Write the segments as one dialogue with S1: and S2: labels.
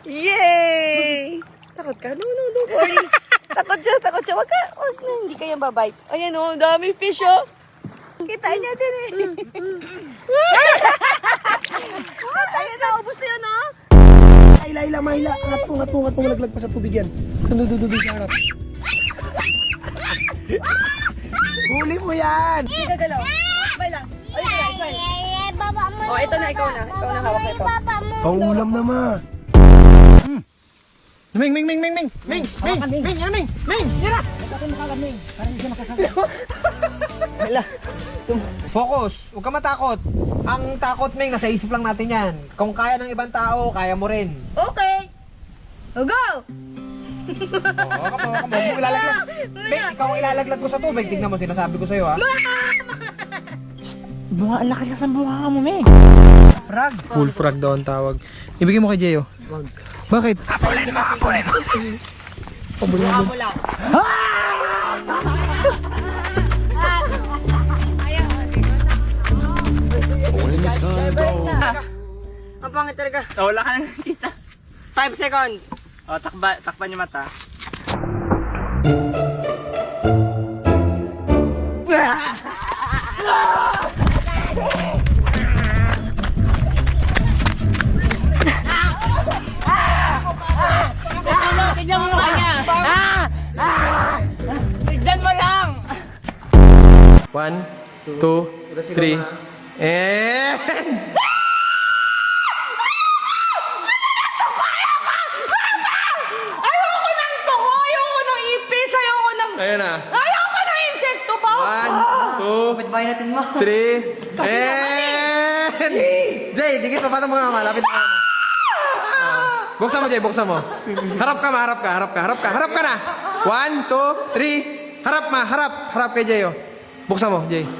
S1: Yay! Takot ka? No, don't worry. Takot siya. Wag ka. Hindi ka yan babite. Ayan o, dami fish oh. Kita niya din eh. Ayan na, ubos na yun oh.
S2: Ila, mahila. Angat mo, laglag pa sa tubig yan. Dudududu sa harap. Huli mo yan!
S1: Hindi ka galaw. Smile lang. Ayun na, smile. Oh, ito na, ikaw na. Ikaw na hawak ito.
S2: Pangulam na ma.
S3: Ming! Tira!
S1: Hala.
S3: Focus! Huwag ka matakot. Ang takot, Ming, nasa isip lang natin yan. Kung kaya ng ibang tao, kaya mo rin.
S4: Okay. Go!
S3: Oo, ka mo. Huwag mo ilalaglag. Ming, ikaw ang ilalaglag ko sa tubig. Tignan mo, sinasabi ko sa'yo, ha?
S4: Ang laki ng buha mo, Meg.
S3: Frog.
S2: Full frog daw ang tawag. Ibigay mo kay Jeyo.
S3: Wag.
S2: Bakit?
S3: Mukha mo lang.
S1: Ang pangit talaga.
S5: Oh, wala ka nang nakikita.
S1: 5 seconds.
S5: Oh, takpan yung mata.
S4: Tignan mo yung kanya. Tignan mo lang.
S2: 1, 2, 3, and...
S1: Ayoko ng tuko! Ayoko ng ipis! Ayoko ng...
S2: Ayan na.
S1: Ayoko ng insekto pa!
S2: 1, 2, 3, and... Jay, dikit pa. Paano mo nga malapit na? Buksan mo, Jay. Buksan mo. Harap ka na. 1, 2, 3. Harap kay Jay, oh. Buksan mo, Jay.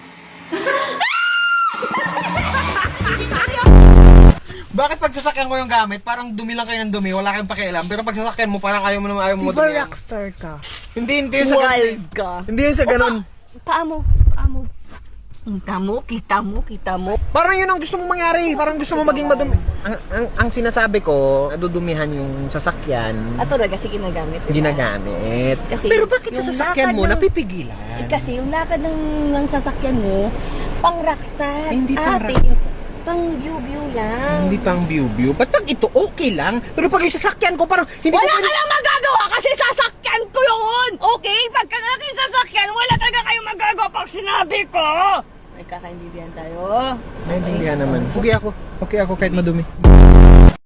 S3: Bakit pag sasakyan mo yung gamit, parang dumi lang kayo ng dumi, wala kayong pakialam. Pero pag sasakyan mo, parang ayaw mo
S4: Diba
S3: madumi.
S4: rockstar ka?
S3: Hindi yun sa ganun.
S1: Wild ka.
S3: Hindi yun sa ganun.
S4: Paa mo. Kita mo.
S3: Parang yun ang gusto mong mangyari. Parang gusto mo maging madumi. Ang sinasabi ko, nadudumihan yung sasakyan.
S4: At talaga, sige ginagamit. diba?
S3: Ginagamit.
S4: Kasi
S3: Pero bakit sa
S4: yung
S3: sasakyan
S4: lakad
S3: mo,
S4: ng-
S3: napipigilan?
S4: Kasi yung lakad ng sasakyan mo, pang rockstar.
S3: Hindi pang
S4: Ate,
S3: rockstar.
S4: pang view lang.
S3: Hindi pang view. Ba't pag ito okay lang? Pero pag yung sasakyan ko, parang hindi
S1: Wala
S3: ko
S1: ka lang magagawa kasi sasakyan ko yun! Okay? Pagka aking sasakyan, wala talaga kayong magagawa pag sinabi ko!
S4: May kakaintindihan tayo.
S3: Naintindihan naman. Okay ako kahit madumi.